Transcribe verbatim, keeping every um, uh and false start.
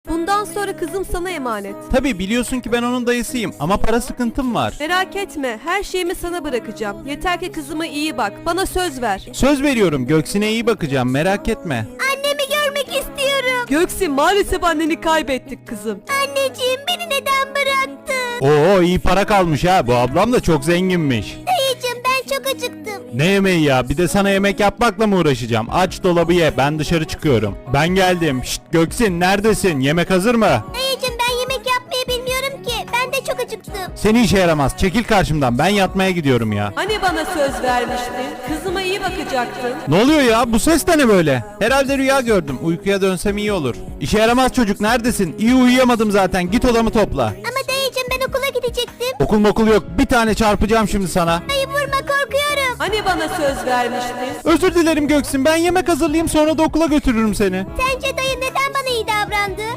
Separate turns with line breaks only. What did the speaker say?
Bundan sonra kızım sana emanet.
Tabii biliyorsun ki ben onun dayısıyım ama para sıkıntım var.
Merak etme, her şeyimi sana bırakacağım. Yeter ki kızıma iyi bak. Bana söz ver.
Söz veriyorum, Göksin'e iyi bakacağım, merak etme.
Annemi görmek istiyorum.
Göksin, maalesef anneni kaybettik kızım.
Anneciğim, beni neden bıraktın?
Oo, iyi para kalmış ha, bu ablam da çok zenginmiş.
Dayıcığım, ben çok acıktım.
Ne yemeği ya, bir de sana yemek yapmakla mı uğraşacağım? Aç dolabı ye, ben dışarı çıkıyorum. Ben geldim. Şşt Göksin, neredesin? Yemek hazır mı?
Dayıcığım, ben yemek yapmayı bilmiyorum ki. Ben de çok acıktım.
Seni işe yaramaz, çekil karşımdan, ben yatmaya gidiyorum ya.
Hani bana söz vermiştin? Kızıma iyi bakacaktın.
Ne oluyor ya, bu ses de ne böyle? Herhalde rüya gördüm, uykuya dönsem iyi olur. İşe yaramaz çocuk, neredesin? İyi uyuyamadım zaten, git odamı topla.
Ama dayıcığım, ben okula gidecektim.
Okul mokul yok, bir tane çarpacağım şimdi sana.
Dayı vurma, korkuyorum.
Hani bana söz vermiştin?
Özür dilerim Göksin, ben yemek hazırlayayım sonra da okula götürürüm seni.
Sence dayı neden bana iyi davrandı?